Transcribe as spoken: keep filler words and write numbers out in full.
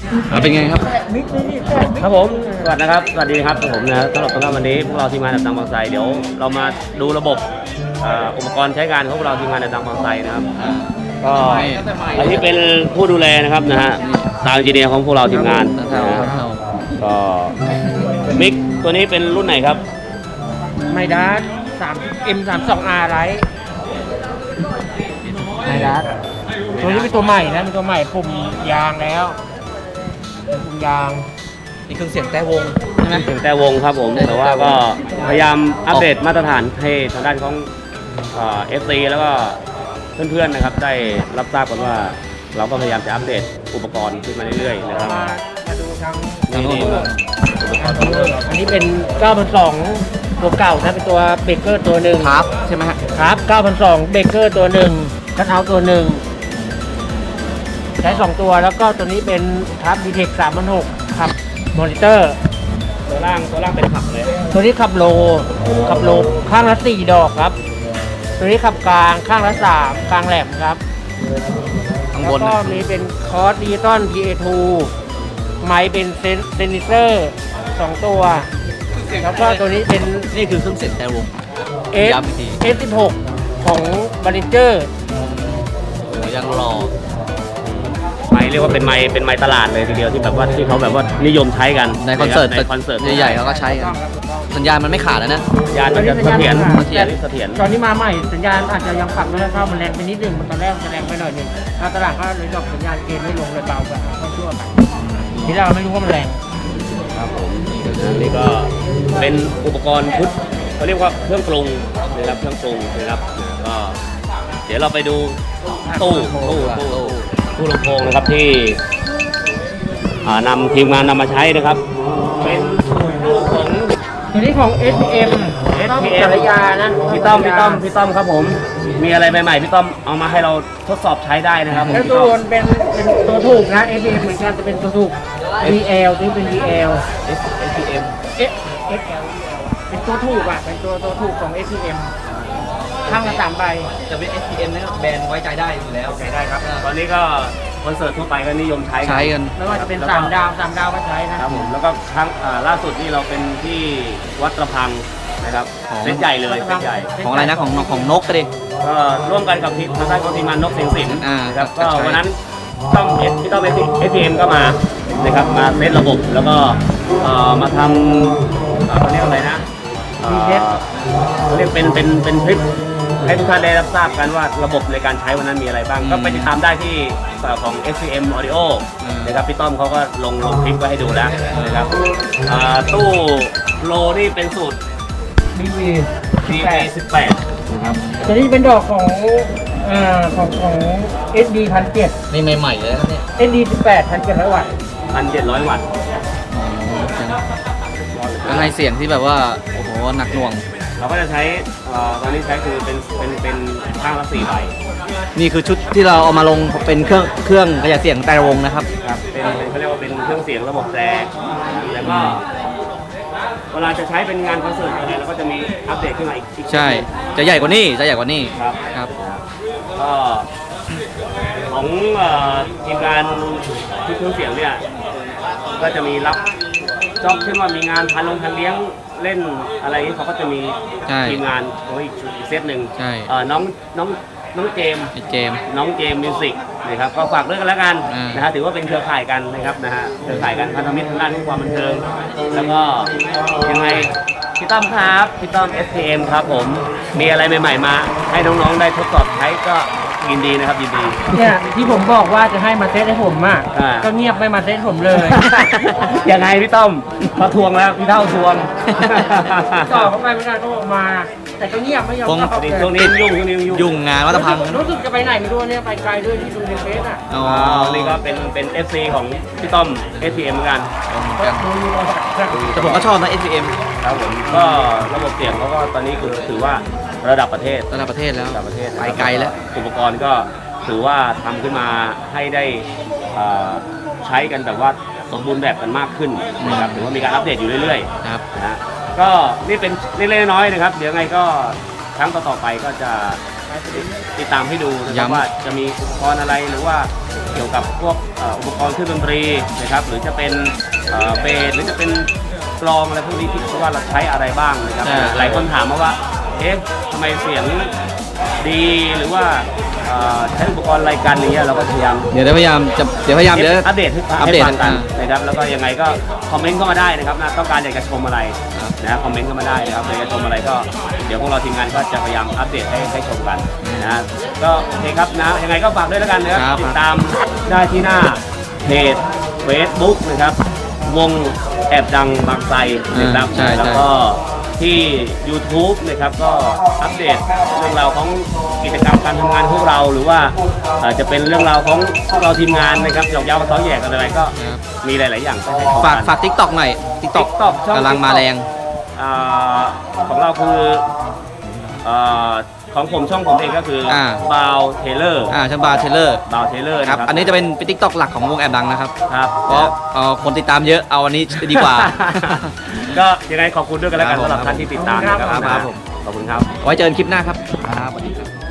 เป็นไงครับครับผมสวัสดีนะครับสวัสดีครับผมนะสำหรับสำหรับวันนี้พวกเราทีมงานดับตังบางไทรเดี๋ยวเรามาดูระบบอุปกรณ์ใช้งานของพวกเราทีมงานดับตังบางไทรนะครับก็อันนี้เป็นผู้ดูแลนะครับนะฮะซาวด์เอนจิเนียร์ของพวกเราทีมงานก็มิกตัวนี้เป็นรุ่นไหนครับไมดัสสามเอ็มสามสองอาร์ไรไมดัสตัวนี้เป็นตัวใหม่นะเป็นตัวใหม่ปุ่มยางแล้วปุ่มยางนี่เครื่องเสียงแต่วงใช่ไหมเสียงแต่วงครับผมแต่ว่าก็พยายามอัปเดตมาตรฐานให้ทางด้านของเอฟซีแล้วก็เพื่อนๆนะครับได้รับทราบกันว่าเราก็พยายามจะอัปเดตอุปกรณ์ขึ้นมาเรื่อยๆนะครับมาดูทางนี่อันนี้เป็นเก้าพันสองตัวเก่านะเป็นตัวเบเกอร์ตัวหนึ่งครับใช่ไหมครับเก้าพันสองเบเกอร์ตัวหนึ่งคัทเอาท์ตัวหนึ่งใช้สองตัวแล้วก็ตัวนี้เป็นครับดีเทคสามพันหกขับมอนิเตอร์ตัวล่างตัวล่างเป็นขับเลยตัวนี้ขับโลขับโลข้างละสี่ดอกครับตัวนี้ขับกลางข้างละสามกลางแหลมครับแล้วก็มีเป็นคอร์สดิจิตอล พี เอ ทู ไมค์เป็นเซนเซอร์สองตัวแล้วก็ตัวนี้เป็นนี่คือเครื่องเสียงแต่วงเอส เอส สิบหก ของบาริเจอร์ยังรอไม้เรียกว่าเป็นไม้เป็นไม้ตลาดเลยทีเดียวที่แบบว่าที่เขาแบบว่านิยมใช้กันในคอนเสิร์ตในคอนเสิร์ตใหญ่ๆเขาก็ใช้กันสัญญาณมันไม่ขาดแล้วนะสัญญาณมันจะเสถียรเสถียรเสถียรตอนนี้มาใหม่สัญญาณอาจจะยังปรับไม่ได้เข้ามันแรงไปนิดนึงมันตอนแรกมันแรงไปหน่อยนึงถ้าตลาดก็เลยดอกสัญญาณเกณฑ์ไม่ลงเลยเบาแบบก็ชั่วไปทีแรกเราไม่รู้ว่ามันแรงครับผมนี่ก็เป็นอุปกรณ์ชุดเขาเรียกว่าเครื่องปรุงนะครับเครื่องปรุงนะครับก็เดี๋ยวเราไปดูตู้ตู้ตู้ตู้ลำโพงนะครับที่นำทีมงานนำมาใช้นะครับเป็นตู้ของตัวนี้ของ เอส พี เอ็มเอส พี เอ็มสารยานะพี่ต้อมพี่ต้อมพี่ต้อมครับผมมีอะไรใหม่ๆพี่ต้อมเอามาให้เราทดสอบใช้ได้นะครับแล้วตัวเป็นเป็นตัวถูกนะ เอส พี เอ็ม เหมือนกันจะเป็นตัวถูก วี แอล ตัวนี้เป็น วี แอลเอส พี เอ็มเอส เอส แอล เป็นตัวถูกอ่ะเป็นตัวตัวถูกของ เอส พี เอ็ม ข้างละสามใบจะเป็น เอส พี เอ็ม นะครับแบรนด์ไว้ใจได้อยู่แล้วใช้ได้ครับตอนนี้ก็คอนเสิร์ตทั่วไปก็นิยมใช้ใช้กันไม่ว่าจะเป็นสามดาวสามดาวก็ใช้นะครับผมแล้วก็ครั้งล่าสุดนี่เราเป็นที่วัดระพังนะครับเซตใหญ่เลยเซตใหญ่ของอะไรนะของของนกก็ดิก็ร่วมกันกับทีมทางด้านของทีมงานนกเสียงสินนะครับก็วันนั้นต้องเอสพี่ต้องเอสพีเอ็มก็มานะครับมาเซตระบบแล้วก็มาทำเขาเรียกอะไรนะเขาเรียกเป็นเป็นเป็นคลิปให้ทุกท่านได้รับทราบกันว่าระบบในการใช้วันนั้นมีอะไรบ้างก็ไปติดตามได้ที่ของ เอส พี เอ็ม Audio นะครับพี่ต้อมเขาก็ลงลงคลิปไว้ให้ดูแล้วนะครับตู้โลนี่เป็นสูตรดี วีดี วี สิบแปดนะครับตัวนี้เป็นดอกของอ่าของของ เอส ดี หนึ่งพันเจ็ดร้อยนี่ใหม่ๆเลยครับเนี่ยเอส ดี สิบแปด พันเจ็ดร้อย วัตต์หนึ่งพันเจ็ดร้อย วัตต์ก็ให้เสียงที่แบบว่าโอ้โหหนักหน่วงเราก็จะใช้ตอนนี้ใช้คือเป็นเป็นเป็นข้างละสี่ใบนี่คือชุดที่เราเอามาลงเป็นเครื่องเครื่องขยายเสียงแต่วงนะครับครับเป็นเขาเรียกว่าเป็นเครื่องเสียงระบบแตรแล้วก็เวลาจะใช้เป็นงานคอนเสิร์ตอะไรเราก็จะมีอัปเดตขึ้นมาอีกใช่จะใหญ่กว่านี้จะใหญ่กว่านี้ครับครับก็ของทีมงานที่เครื่องเสียงเนี่ยก็จะมีรับจ็อบเช่นว่ามีงานพาลงพาเลี้ยงเล่นอะไรนี้เขาก็จะมีทีมงานของอีกเซตหนึ่งน้องน้องน้องเจมเจมน้องเจมมิวสิกนะครับก็ฝากด้วยกันแล้วกันนะฮะถือว่าเป็นเครือข่ายกันนะครับนะฮะเครือข่ายกันพันธมิตรทางด้านความบันเทิงแล้วก็ยังไงพี่ต้อมครับพี่ต้อม เอส พี เอ็ม ครับผมมีอะไรใหม่ๆมาให้น้องๆได้ทดสอบใช้ก็ยินดีนะครับยินดีเนี่ยที่ผมบอกว่าจะให้มาเซตให้ผมอ่ะก็เงียบไม่มาเซตผมเลยยังไงพี่ต้อมมาทวงแล้วพี่เท่าทวงต่อเข้าไปไม่ได้ก็ออกมาแต่ก็เงียบไม่ยอมเข้าไปช่วงนี้ยุ่งช่วงนี้ยุ่งยุ่งงานวัดพังรู้สึกจะไปไหนไม่รู้เนี่ยไปไกลด้วยที่ดูในเฟซอ่ะอ๋อนี่ก็เป็นเป็น เอฟ ซี ของพี่ต้อม เอส พี เอ็ม เหมือนกันแต่ผมก็ชอบนะ เอส พี เอ็มครับผมก็ระบบเสียงเขาก็ตอนนี้คือถือว่าระดับประเทศระดับประเทศแล้วระดับประเทศไปไกลแล้วอุปกรณ์ก็ถือว่าทำขึ้นมาให้ได้ใช้กันแบบว่าสมบูรณ์แบบกันมากขึ้นนะครับถือว่ามีการอัปเดตอยู่เรื่อยๆครับนะก็นี่เป็นเล็กๆน้อยๆนะครับเดี๋ยวไงก็ครั้งต่อๆไปก็จะติดตามให้ดูนะครับว่าจะมีอุปกรณ์อะไรหรือว่าเกี่ยวกับพวกเอ่ออุปกรณ์เครื่องดนตรีนะครับหรือจะเป็นเอ่อเบสหรือจะเป็นกลองอะไรพวกนี้ที่ว่าเราใช้อะไรบ้างนะครับอ่าหลายคนถามมาว่าเอ๊ะทำไมเสียงดีหรือว่าเอ่อใช้อุปกรณ์อะไรกันอย่างเงี้ยเราก็พยายามเดี๋ยวพยายามจะเดี๋ยวพยายามเดี๋ยวอัปเดตให้อัปให้เดตฟังกันอ่านะครับแล้วก็ยังไงก็คอมเมนต์เข้ามาได้นะครับนะต้องการอยากจะชมอะไรครับนะคอมเมนต์เข้ามาได้นะครับอยากจะชมอะไรก็เดี๋ยวพวกเราทีมงานก็จะพยายามอัปเดตให้ให้ชมกันนะก็โอเคครับนะยังไงก็ฝากด้วยแล้วกันนะครับครับติดตามได้ที่หน้าเพจ Facebook นะครับวงแอบดังบางไทรนะครับอ่าใช่ใช่แล้วก็ที่ YouTube นะครับก็อัปเดตเรื่องราวของกิจกรรมการทำงานของพวกเราหรือว่าเอ่อจะเป็นเรื่องราวของพวกเราทีมงานนะครับหยอกเย้ามาซ้อแยกกันอะไรก็ครับมีหลาย ๆ อย่างให้ได้ชมฝากกันฝากทิกตอกหน่อยทิกตอก TikTok ช่องกำลังมาแรงอ่าของเราคืออ่าของผมช่องผมเองก็คืออา บาวเทเลอร์อ่าชันบาร์เทเลอร์บาวเทเลอร์คนะรับครับอันนี้จะเป็นเป็นทิกตอกหลักของวงแอบดังนะครับครับเพราะเอ่อคนติดตามเยอะเอาอันนี้ดีกว่าก็ยังไงขอบคุณด้วยกันแล้วกันครับผมสำหรับท่านที่ติดตามนะครับครับผมขอบคุณครับไว้เจอกันคลิปหน้าครับครับสวัสดีครับ